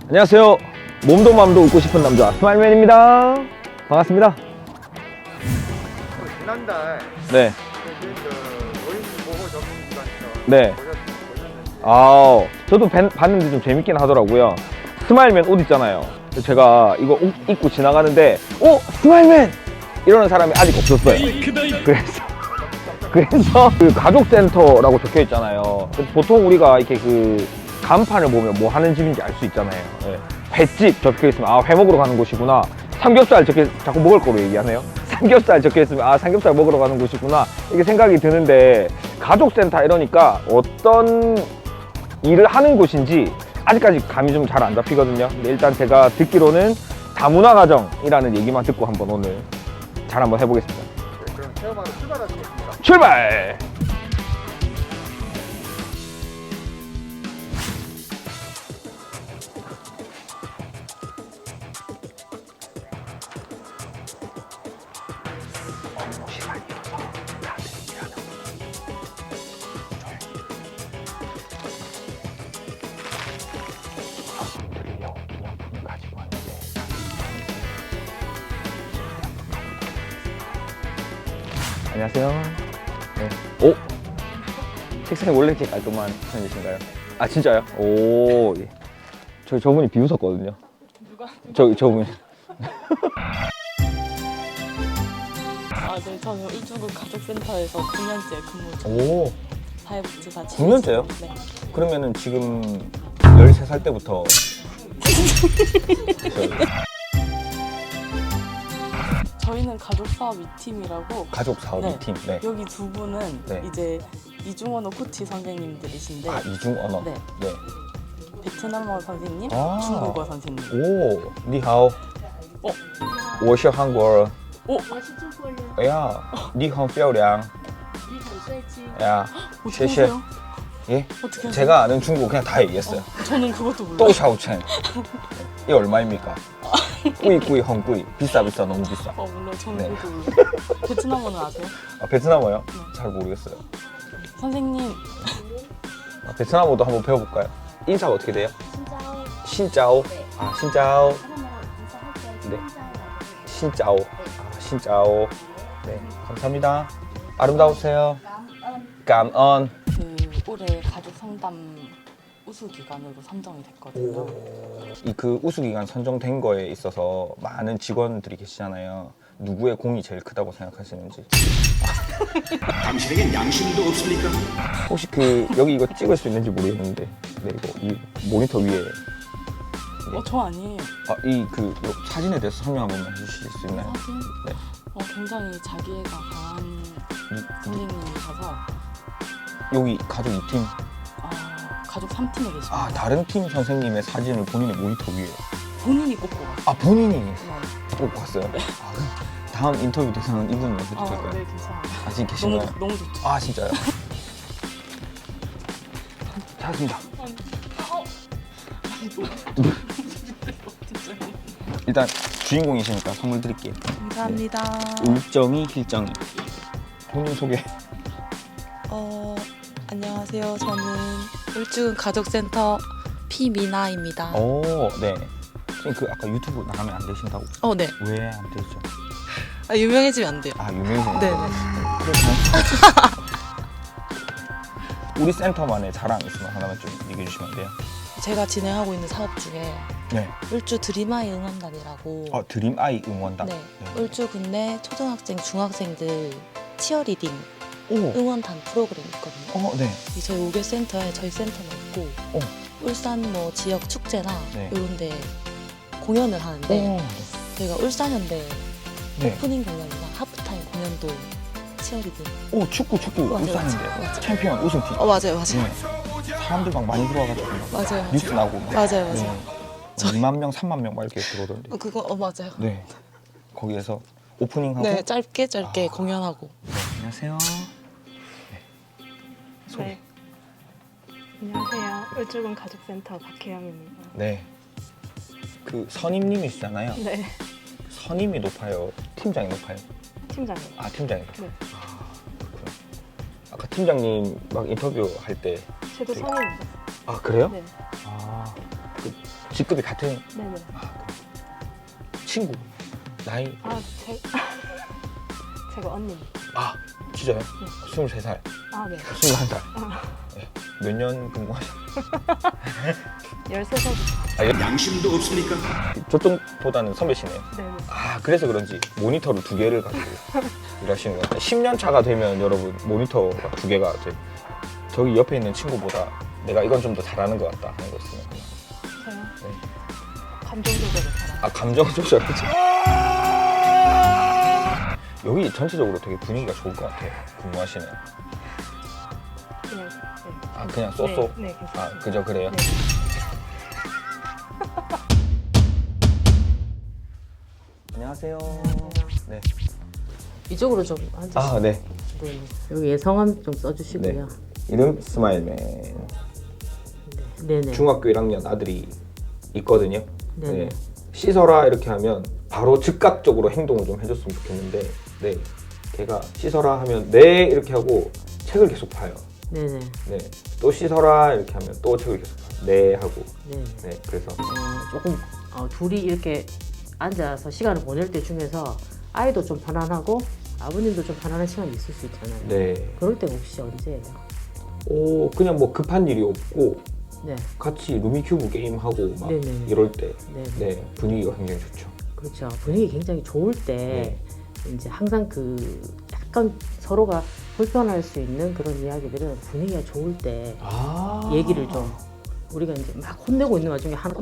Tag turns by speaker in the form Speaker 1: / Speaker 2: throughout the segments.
Speaker 1: 안녕하세요. 몸도 마음도 웃고 싶은 남자 스마일맨입니다. 반갑습니다.
Speaker 2: 지난달
Speaker 1: 네.
Speaker 2: 노인 보호 접수 기간이죠.
Speaker 1: 네. 아, 저도 봤는데 좀 재밌긴 하더라고요. 스마일맨 옷 있잖아요. 제가 이거 옷 입고 지나가는데 스마일맨! 이러는 사람이 아직 없었어요. 그래서 그 가족센터라고 적혀 있잖아요. 보통 우리가 이렇게 그 간판을 보면 뭐 하는 집인지 알 수 있잖아요. 네. 횟집 적혀 있으면 회 먹으러 가는 곳이구나. 삼겹살 자꾸 먹을 거로 얘기하네요. 삼겹살 적혀 있으면 삼겹살 먹으러 가는 곳이구나. 이렇게 생각이 드는데 가족센터 이러니까 어떤 일을 하는 곳인지 아직까지 감이 좀 잘 안 잡히거든요. 근데 일단 제가 듣기로는 다문화 가정이라는 얘기만 듣고 한번 오늘 잘 한번 해보겠습니다.
Speaker 2: 네, 그럼 체험하러 출발하시겠습니다.
Speaker 1: 출발! 안녕하세요. 네. 오! 책상이 원래 이렇게 깔끔한 편이신가요? 아, 진짜요? 오. 예. 저분이 비웃었거든요.
Speaker 3: 누가?
Speaker 1: 저분이.
Speaker 3: 네, 저는 울주군 가족센터에서 9년째 근무 중.
Speaker 1: 오.
Speaker 3: 사회복지사
Speaker 1: 9년째요?
Speaker 3: 네.
Speaker 1: 그러면은 지금 13살 때부터.
Speaker 3: 저희는 가족사업 2팀이라고.
Speaker 1: 가족 사업
Speaker 3: 네.
Speaker 1: 팀. 네.
Speaker 3: 여기 두 분은
Speaker 1: 네.
Speaker 3: 이제 이중언어 코치 선생님들이신데.
Speaker 1: 이중 언어.
Speaker 3: 네.
Speaker 1: 네.
Speaker 3: 베트남어 선생님,
Speaker 1: 아.
Speaker 3: 중국어 선생님.
Speaker 1: 오, 니하오. 我是韩国人.
Speaker 3: 오!
Speaker 4: 我是中国人，
Speaker 1: 야, 你很漂亮.
Speaker 4: 你很帅气。
Speaker 1: 야,
Speaker 3: 어떻게
Speaker 1: 谢谢.
Speaker 3: 하세요?
Speaker 1: 예?
Speaker 3: 어떻게 하세요?
Speaker 1: 제가 아는 중국 그냥 다 얘기했어요.
Speaker 3: 저는 그것도 몰라요.
Speaker 1: 또샤오첸. 이게 얼마입니까? 꾸이 헝꾸이. 비싸 너무 비싸.
Speaker 3: 몰라요. 저는
Speaker 1: 네.
Speaker 3: 그것도 몰라요. 베트남어는 아세요?
Speaker 1: 베트남어요? 잘 모르겠어요.
Speaker 3: 선생님,
Speaker 1: 베트남어도 한번 배워볼까요? 인사가 어떻게 돼요?
Speaker 4: 新招，
Speaker 1: 신짜오.
Speaker 4: 네.
Speaker 1: 신짜오.
Speaker 4: 사람이랑 인사할 때
Speaker 1: 네.
Speaker 4: 신자라고 해요.
Speaker 1: 신짜오. 신짜오. 네, 감사합니다. 아름다우세요. 감언.
Speaker 3: 그 올해 가족 상담 우수 기관으로 선정이 됐거든요.
Speaker 1: 그 우수기관 선정된 거에 있어서 많은 직원들이 계시잖아요. 누구의 공이 제일 크다고 생각하시는지.
Speaker 5: 당신에겐 양심도 없습니까?
Speaker 1: 혹시 여기 이거 찍을 수 있는지 모르겠는데, 네, 이거 이 모니터 위에
Speaker 3: 저 아니에요.
Speaker 1: 요 사진에 대해서 설명 한 번만 해주실 수 있나요?
Speaker 3: 사진?
Speaker 1: 네.
Speaker 3: 굉장히 자기애가 강한 선생님이셔서
Speaker 1: 여기 가족 2팀.
Speaker 3: 가족 3팀에 계십니다.
Speaker 1: 다른 팀 선생님의 사진을 본인의 모니터 위에.
Speaker 3: 본인이 꼽고 갔어요.
Speaker 1: 본인이
Speaker 3: 네.
Speaker 1: 꼭 봤어요? 그럼 다음 인터뷰 대상은 이분으로 해도 될까요?
Speaker 3: 네, 괜찮아요.
Speaker 1: 지금 계신가요?
Speaker 3: 너무 좋죠.
Speaker 1: 진짜요? 찾았습니다. 일단 주인공이시니까 선물 드릴게요.
Speaker 3: 감사합니다.
Speaker 1: 울정이 힐정이. 본인 소개.
Speaker 6: 안녕하세요. 저는 울주군 가족센터 피미나입니다.
Speaker 1: 네. 선생님 아까 유튜브 나가면 안 되신다고?
Speaker 6: 네.
Speaker 1: 왜 안 되죠?
Speaker 6: 유명해지면 안 돼요.
Speaker 1: 유명해서.
Speaker 6: 네.
Speaker 1: 우리 센터만의 자랑 있으면 하나만 좀 얘기해 주시면 안 돼요?
Speaker 6: 제가 진행하고 있는 사업 중에
Speaker 1: 네.
Speaker 6: 울주 드림아이 응원단이라고
Speaker 1: 드림아이 응원단.
Speaker 6: 네. 울주군 내 초등학생, 중학생들 치어리딩
Speaker 1: 오.
Speaker 6: 응원단 프로그램이 있거든요.
Speaker 1: 네.
Speaker 6: 저희 5개 센터에 저희 센터는 있고 울산 지역 축제나
Speaker 1: 네.
Speaker 6: 이런 데 공연을 하는데 저희가 울산현대
Speaker 1: 네.
Speaker 6: 오프닝 공연이나 하프타임 공연도 치어리딩.
Speaker 1: 축구
Speaker 6: 맞아요,
Speaker 1: 울산인데
Speaker 6: 맞아요.
Speaker 1: 챔피언 우승팀.
Speaker 6: 맞아요.
Speaker 1: 네. 사람들 막 많이 들어와가지고
Speaker 6: 맞아요.
Speaker 1: 뉴스 나오고.
Speaker 6: 맞아요.
Speaker 1: 네. 2만 명, 3만 명 막 이렇게 들어오던데.
Speaker 6: 그거 맞아요.
Speaker 1: 네. 거기에서 오프닝하고.
Speaker 6: 네, 짧게 공연하고.
Speaker 1: 네, 안녕하세요. 네. 소개.
Speaker 7: 네. 안녕하세요. 울주군 가족센터 박혜영입니다.
Speaker 1: 네. 선임님이시잖아요.
Speaker 7: 네,
Speaker 1: 선임이 높아요? 팀장이 높아요?
Speaker 7: 팀장님.
Speaker 1: 팀장이.
Speaker 7: 네.
Speaker 1: 그렇구나. 아까 팀장님 막 인터뷰 할 때.
Speaker 7: 저도 성인입니다.
Speaker 1: 그래요?
Speaker 7: 네.
Speaker 1: 직급이 같은
Speaker 7: 네네.
Speaker 1: 친구 나이
Speaker 7: 제가 언니.
Speaker 1: 아 진짜요? 23살,
Speaker 7: 아 네.
Speaker 1: 21살. 네. 몇 년 근무하셨어요?
Speaker 7: 13살부터.
Speaker 1: 양심도 없습니까? 저쪽보다는 선배시네요.
Speaker 7: 네네.
Speaker 1: 아 그래서 그런지 모니터를 2개를 가지고 일하시는 것 같아요. 10년 차가 되면 여러분 모니터가 2개가 돼. 저기 옆에 있는 친구보다 내가 이건 좀 더 잘하는 것 같다 하는 거 있으면 그냥.
Speaker 7: 저요?
Speaker 1: 네.
Speaker 7: 감정 조절을 잘하고.
Speaker 1: 아 감정 조절하지. 여기 전체적으로 되게 분위기가 좋을 것 같아요. 근무하시는.
Speaker 7: 그냥
Speaker 1: 아 그냥 쏘쏘.
Speaker 7: 네, 괜찮습니다.
Speaker 1: 아 그죠 그래요.
Speaker 7: 네.
Speaker 1: 안녕하세요. 네.
Speaker 5: 이쪽으로 좀 앉으시죠.
Speaker 1: 아 네.
Speaker 5: 네. 여기 성함 좀 써주시고요.
Speaker 1: 이름 스마일맨.
Speaker 5: 네네.
Speaker 1: 중학교 1학년 아들이 있거든요.
Speaker 5: 네네.
Speaker 1: 네. 씻어라 이렇게 하면 바로 즉각적으로 행동을 좀 해줬으면 좋겠는데, 네, 걔가 씻어라 하면 네 이렇게 하고 책을 계속 봐요.
Speaker 5: 네네.
Speaker 1: 네, 또 씻어라 이렇게 하면 또 책을 계속 봐요. 네 하고.
Speaker 5: 네네.
Speaker 1: 네, 그래서
Speaker 5: 조금 둘이 이렇게 앉아서 시간을 보낼 때 중에서 아이도 좀 편안하고 아버님도 좀 편안한 시간이 있을 수 있잖아요.
Speaker 1: 네,
Speaker 5: 그럴 때 혹시 언제예요?
Speaker 1: 그냥 뭐 급한 일이 없고
Speaker 5: 네.
Speaker 1: 같이 루미큐브 게임 하고 막
Speaker 5: 네네.
Speaker 1: 이럴 때,
Speaker 5: 네.
Speaker 1: 네, 분위기가 굉장히 좋죠.
Speaker 5: 그렇죠. 분위기 굉장히 좋을 때 이제 항상 그 약간 서로가 불편할 수 있는 그런 이야기들은 분위기가 좋을 때 얘기를 좀 우리가 이제 막 혼내고 있는 와중에 하나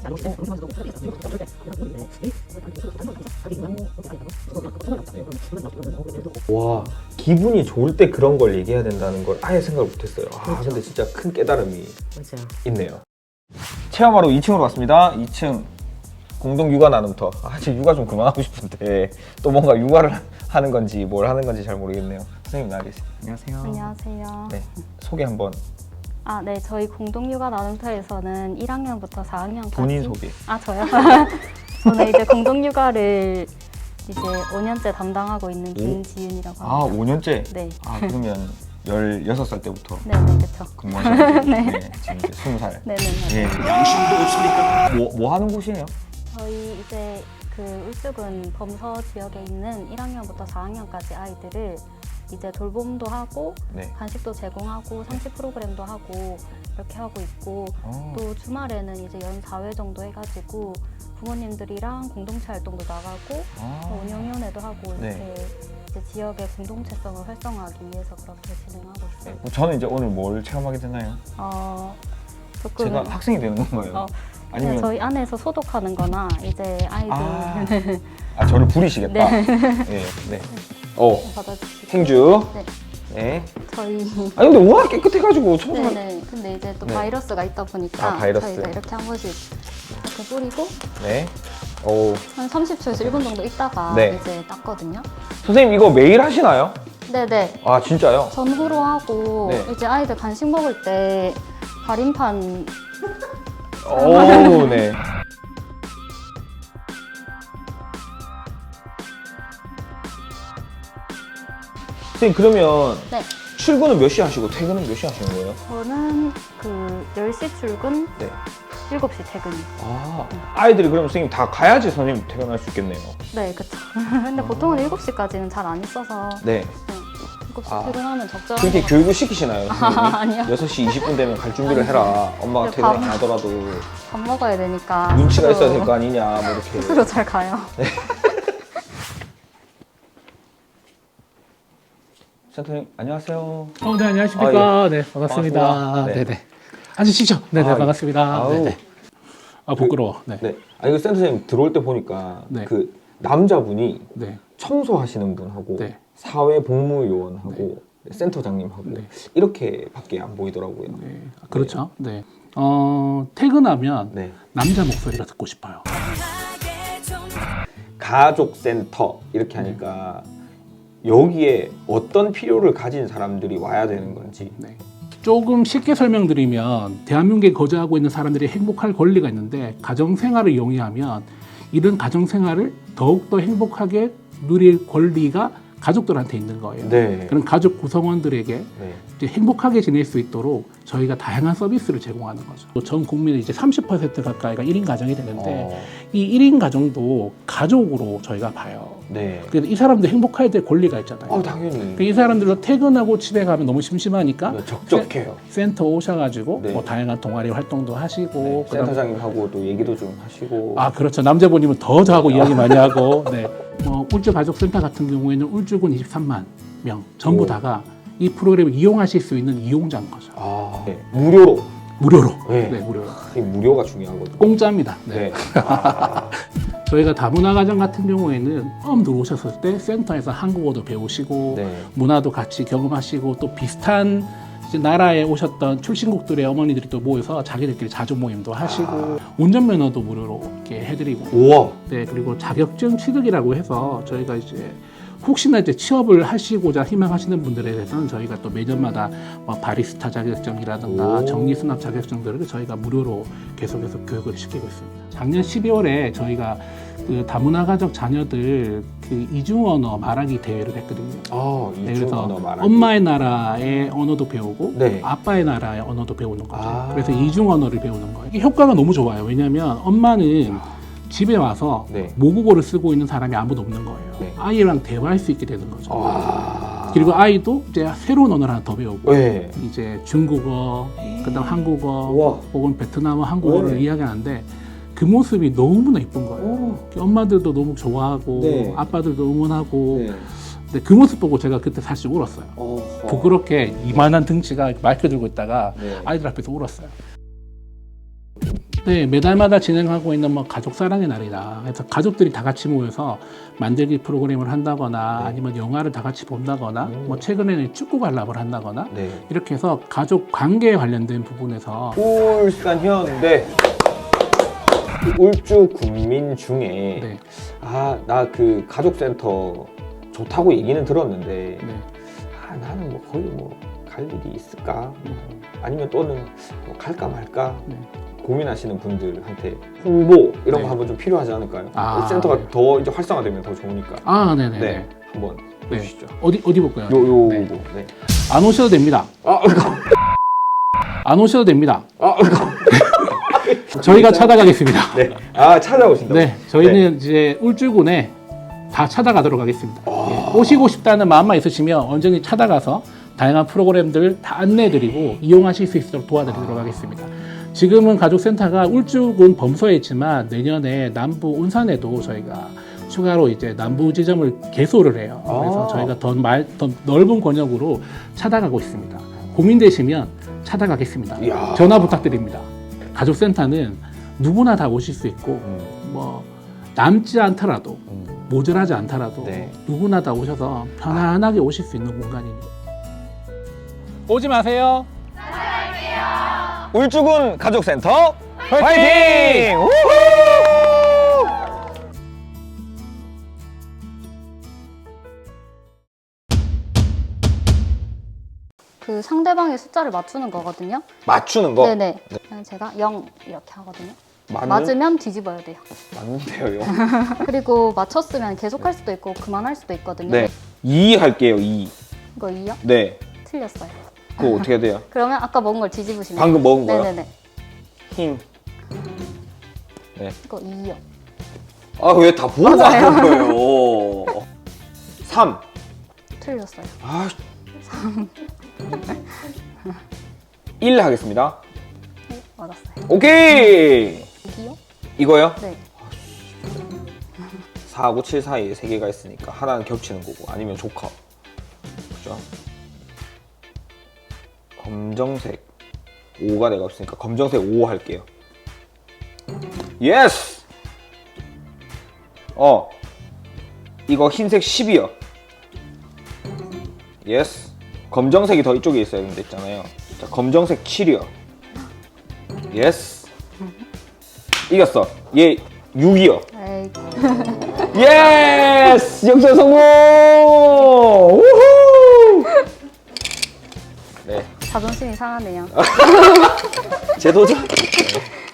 Speaker 1: 와, 기분이 좋을 때 그런 걸 얘기해야 된다는 걸 아예 생각을 못했어요. 아, 근데 진짜 큰 깨달음이
Speaker 5: 맞아.
Speaker 1: 있네요. 체험하러 2층으로 왔습니다. 2층 공동 육아 나눔터. 아, 지금 육아 좀 그만하고 싶은데 또 뭔가 육아를 하는 건지 뭘 하는 건지 잘 모르겠네요. 선생님 나와 계세요. 안녕하세요.
Speaker 8: 안녕하세요.
Speaker 1: 네, 소개 한번.
Speaker 8: 아, 네. 저희 공동육아 나눔터에서는 1학년부터 4학년까지
Speaker 1: 본인 소개.
Speaker 8: 아, 저요? 저는 이제 공동육아를 이제 5년째 담당하고 있는 김지윤이라고
Speaker 1: 아,
Speaker 8: 합니다.
Speaker 1: 5년째?
Speaker 8: 네.
Speaker 1: 아, 그러면 16살 때부터
Speaker 8: 네, 네, 그렇죠.
Speaker 1: 근무하셨는데 네. 지금 이제 20살.
Speaker 8: 네, 네, 네.
Speaker 1: 예. 양심도 없습니까? 뭐 하는 곳이에요?
Speaker 8: 저희 이제 그 울주군 범서 지역에 있는 1학년부터 4학년까지 아이들을 이제 돌봄도 하고
Speaker 1: 네.
Speaker 8: 간식도 제공하고 상시 프로그램도 하고 이렇게 하고 있고 또 주말에는 이제 연 4회 정도 해가지고 부모님들이랑 공동체 활동도 나가고 운영위원회도 하고 이렇게
Speaker 1: 네.
Speaker 8: 이제 지역의 공동체성을 활성화하기 위해서 그렇게 진행하고 있어요.
Speaker 1: 네. 저는 이제 오늘 뭘 체험하게 되나요?
Speaker 8: 조금
Speaker 1: 제가 학생이 되는 건가요?
Speaker 8: 그냥
Speaker 1: 아니면
Speaker 8: 저희 안에서 소독하는 거나 이제 아이들
Speaker 1: 저를 부리시겠다.
Speaker 8: 네.
Speaker 1: 네. 네.
Speaker 8: 받아주시고
Speaker 1: 행주.
Speaker 8: 네.
Speaker 1: 네.
Speaker 8: 저희
Speaker 1: 아니 근데 워낙 깨끗해가지고 청소가.
Speaker 8: 네네. 근데 이제 또
Speaker 1: 네.
Speaker 8: 바이러스가 있다 보니까
Speaker 1: 바이러스.
Speaker 8: 저희가 이렇게 한 번씩 이렇게 뿌리고
Speaker 1: 네. 오.
Speaker 8: 한 30초에서 1분 정도 있다가
Speaker 1: 네.
Speaker 8: 이제 닦거든요.
Speaker 1: 선생님 이거 매일 하시나요?
Speaker 8: 네네.
Speaker 1: 아 진짜요?
Speaker 8: 전후로 하고
Speaker 1: 네.
Speaker 8: 이제 아이들 간식 먹을 때 가림판
Speaker 1: 오, 네. 선생님 그러면
Speaker 8: 네.
Speaker 1: 출근은 몇 시 하시고 퇴근은 몇 시 하시는 거예요?
Speaker 8: 저는 그 10시 출근,
Speaker 1: 네.
Speaker 8: 7시 퇴근.
Speaker 1: 아이들이 그러면 선생님 다 가야지 선생님 퇴근할 수 있겠네요.
Speaker 8: 네, 그쵸. 근데 보통은 7시까지는 잘 안 있어서
Speaker 1: 네.
Speaker 8: 7시 퇴근하면 적절한
Speaker 1: 그렇게
Speaker 8: 것 같아요.
Speaker 1: 교육을 시키시나요? 선생님이?
Speaker 8: 아니요.
Speaker 1: 6시 20분 되면 갈 준비를 해라. 엄마가
Speaker 8: 근데
Speaker 1: 퇴근 안
Speaker 8: 밥-
Speaker 1: 하더라도
Speaker 8: 밥 먹어야 되니까
Speaker 1: 눈치가
Speaker 8: 스스로-
Speaker 1: 있어야 될 거 아니냐 뭐 이렇게.
Speaker 8: 스스로 잘 가요.
Speaker 1: 센터님 안녕하세요.
Speaker 9: 네, 안녕하십니까.
Speaker 1: 아, 예.
Speaker 9: 네, 반갑습니다.
Speaker 1: 반갑습니다. 네.
Speaker 9: 네네. 앉으시죠. 네네,
Speaker 1: 아, 예.
Speaker 9: 반갑습니다.
Speaker 1: 아우.
Speaker 9: 네네. 부끄러워. 네.
Speaker 1: 네. 아니 그 센터님 들어올 때 보니까
Speaker 9: 네.
Speaker 1: 그 남자분이
Speaker 9: 네.
Speaker 1: 청소하시는 분하고
Speaker 9: 네.
Speaker 1: 사회복무요원하고 센터장님하고
Speaker 9: 네.
Speaker 1: 이렇게밖에 안 보이더라고요.
Speaker 9: 네. 그렇죠. 네. 퇴근하면
Speaker 1: 네.
Speaker 9: 남자 목소리가 듣고 싶어요.
Speaker 1: 가족센터 이렇게 하니까 여기에 어떤 필요를 가진 사람들이 와야 되는 건지.
Speaker 9: 네. 조금 쉽게 설명드리면 대한민국에 거주하고 있는 사람들이 행복할 권리가 있는데 가정생활을 용이하면 이런 가정생활을 더욱더 행복하게 누릴 권리가 가족들한테 있는 거예요.
Speaker 4: 네.
Speaker 9: 그런 가족 구성원들에게
Speaker 4: 네.
Speaker 9: 이제 행복하게 지낼 수 있도록 저희가 다양한 서비스를 제공하는 거죠. 전 국민의 이제 30% 가까이가 1인 가정이 되는데 이 1인 가정도 가족으로 저희가 봐요.
Speaker 4: 네.
Speaker 9: 그래서 이 사람들 행복해야 될 권리가 있잖아요.
Speaker 4: 당연히.
Speaker 9: 그러니까 이 사람들도 퇴근하고 집에 가면 너무 심심하니까
Speaker 4: 적적해요.
Speaker 9: 센터 오셔가지고
Speaker 4: 네.
Speaker 9: 뭐 다양한 동아리 활동도 하시고
Speaker 4: 네.
Speaker 9: 그다음-
Speaker 4: 센터장님하고 또 얘기도 좀 하시고.
Speaker 9: 아 그렇죠. 남자분이면 더 저하고 이야기 많이 하고 네. 울주 가족센터 같은 경우에는 울주군 23만 명 전부
Speaker 4: 오.
Speaker 9: 다가 이 프로그램을 이용하실 수 있는 이용자인 거죠.
Speaker 4: 네. 무료로.
Speaker 9: 무료로.
Speaker 4: 네.
Speaker 9: 네, 무료로.
Speaker 4: 이 무료가 중요하거든요.
Speaker 9: 공짜입니다. 네.
Speaker 4: 네.
Speaker 9: 저희가 다문화 가정 같은 경우에는 처음 들어오셨을 때 센터에서 한국어도 배우시고
Speaker 4: 네.
Speaker 9: 문화도 같이 경험하시고 또 비슷한 이제 나라에 오셨던 출신국들의 어머니들이 또 모여서 자기들끼리 자주 모임도 하시고 운전면허도 무료로 이렇게 해드리고
Speaker 4: 우와.
Speaker 9: 네 그리고 자격증 취득이라고 해서 저희가 이제 혹시나 이제 취업을 하시고자 희망하시는 분들에 대해서는 저희가 또 매년마다 뭐 바리스타 자격증이라든가
Speaker 4: 오.
Speaker 9: 정리수납 자격증들을 저희가 무료로 계속해서 교육을 시키고 있습니다. 작년 12월에 저희가 그 다문화 가족 자녀들 그 이중 언어 말하기 대회를 했거든요. 네,
Speaker 4: 이중
Speaker 9: 그래서
Speaker 4: 언어 말하기.
Speaker 9: 엄마의 나라의 언어도 배우고
Speaker 4: 네.
Speaker 9: 아빠의 나라의 언어도 배우는 거죠.
Speaker 4: 아.
Speaker 9: 그래서 이중 언어를 배우는 거예요. 이게 효과가 너무 좋아요. 왜냐하면 엄마는 집에 와서
Speaker 4: 네.
Speaker 9: 모국어를 쓰고 있는 사람이 아무도 없는 거예요.
Speaker 4: 네.
Speaker 9: 아이랑 대화할 수 있게 되는 거죠.
Speaker 4: 와.
Speaker 9: 그리고 아이도 이제 새로운 언어를 하나 더 배우고
Speaker 4: 네.
Speaker 9: 이제 중국어, 그다음 한국어
Speaker 4: 우와.
Speaker 9: 혹은 베트남어, 한국어를
Speaker 4: 네.
Speaker 9: 이야기하는데 그 모습이 너무나 예쁜 거예요. 엄마들도 너무 좋아하고
Speaker 4: 네.
Speaker 9: 아빠들도 응원하고
Speaker 4: 네.
Speaker 9: 근데 그 모습 보고 제가 그때 사실 울었어요. 부끄럽게 이만한 등치가 마이크 들고 있다가
Speaker 4: 네.
Speaker 9: 아이들 앞에서 울었어요. 네, 매달마다 진행하고 있는 뭐 가족 사랑의 날이다. 그래서 가족들이 다 같이 모여서 만들기 프로그램을 한다거나
Speaker 4: 네.
Speaker 9: 아니면 영화를 다 같이 본다거나 뭐 최근에는 축구 관람을 한다거나
Speaker 4: 네.
Speaker 9: 이렇게 해서 가족 관계에 관련된 부분에서
Speaker 4: 울산 현대 울주 군민 중에
Speaker 9: 네,
Speaker 4: 나 그 가족센터 좋다고 얘기는 들었는데
Speaker 9: 네.
Speaker 4: 나는 뭐 거의 뭐 갈 일이 있을까 아니면 또는 뭐 갈까 말까
Speaker 9: 네.
Speaker 4: 고민하시는 분들한테 홍보 이런
Speaker 9: 네.
Speaker 4: 거 한번 좀 필요하지 않을까요?
Speaker 9: 아,
Speaker 4: 센터가
Speaker 9: 네.
Speaker 4: 더 이제 활성화되면 더 좋으니까.
Speaker 9: 아, 네네.
Speaker 4: 네, 한번
Speaker 9: 네.
Speaker 4: 해주시죠.
Speaker 9: 어디 볼까요?
Speaker 4: 요거.
Speaker 9: 네.
Speaker 4: 네.
Speaker 9: 안 오셔도 됩니다. 안 오셔도 됩니다. 저희가 찾아가겠습니다.
Speaker 4: 네. 찾아오신다고.
Speaker 9: 네, 저희는 이제 울주군에 다 찾아가도록 하겠습니다. 예, 오시고 싶다는 마음만 있으시면 언제든지 찾아가서 다양한 프로그램들 다 안내해드리고 이용하실 수 있도록 도와드리도록 하겠습니다. 지금은 가족센터가 울주군 범서에 있지만 내년에 남부 운산에도 저희가 추가로 이제 남부 지점을 개소를 해요. 그래서 저희가 더 넓은 권역으로 찾아가고 있습니다. 고민되시면 찾아가겠습니다.
Speaker 4: 이야.
Speaker 9: 전화 부탁드립니다. 가족센터는 누구나 다 오실 수 있고 뭐 남지 않더라도 모자라지 않더라도
Speaker 4: 네.
Speaker 9: 누구나 다 오셔서 편안하게 오실 수 있는 공간이니까 오지 마세요.
Speaker 1: 울주군 가족센터 화이팅! 우후!
Speaker 8: 그 상대방의 숫자를 맞추는 거거든요.
Speaker 1: 맞추는 거?
Speaker 8: 네네. 그냥 제가 0 이렇게 하거든요.
Speaker 4: 맞는?
Speaker 8: 맞으면 뒤집어야 돼요.
Speaker 4: 맞는데요.
Speaker 8: 그리고 맞췄으면 계속 할 수도 있고 그만할 수도 있거든요.
Speaker 1: 네. 2 할게요, 2.
Speaker 8: 이거 2요?
Speaker 1: 네.
Speaker 8: 틀렸어요.
Speaker 1: 그거 어떻게 돼요?
Speaker 8: 그러면 아까 먹은 걸 뒤집으시면
Speaker 1: 방금 먹은 거요?
Speaker 8: 네네네.
Speaker 1: 힘.
Speaker 8: 이거 2요.
Speaker 1: 왜 다 보고 하는 거예요? 3.
Speaker 8: 틀렸어요.
Speaker 1: 1 하겠습니다.
Speaker 8: 네, 맞았어요.
Speaker 1: 오케이!
Speaker 8: 2요?
Speaker 1: 이거요?
Speaker 8: 네.
Speaker 1: 4하고 7 사이에 3개가 있으니까 하나는 겹치는 거고 아니면 조커. 그죠? 검정색 5가 내가 없으니까 검정색 5 할게요. 예스! 이거 흰색 10이요. 예스. 검정색이 더 이쪽에 있어야 된다 했잖아요. 자, 검정색 7이요. 예스. 이겼어. 얘 6이요.
Speaker 8: 에이,
Speaker 1: 예스! 역전 성공! 우후! 네.
Speaker 8: 자존심이 상하네요.
Speaker 1: 재도전?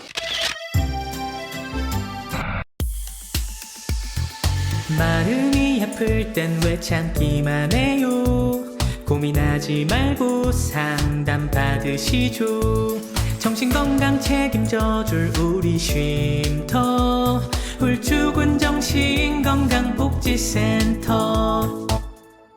Speaker 10: 마음이 마음이 아플 땐 왜 참기만 해요. 고민하지 말고 상담 받으시죠. 정신건강 책임져줄 우리 쉼터 울주군 정신건강복지센터.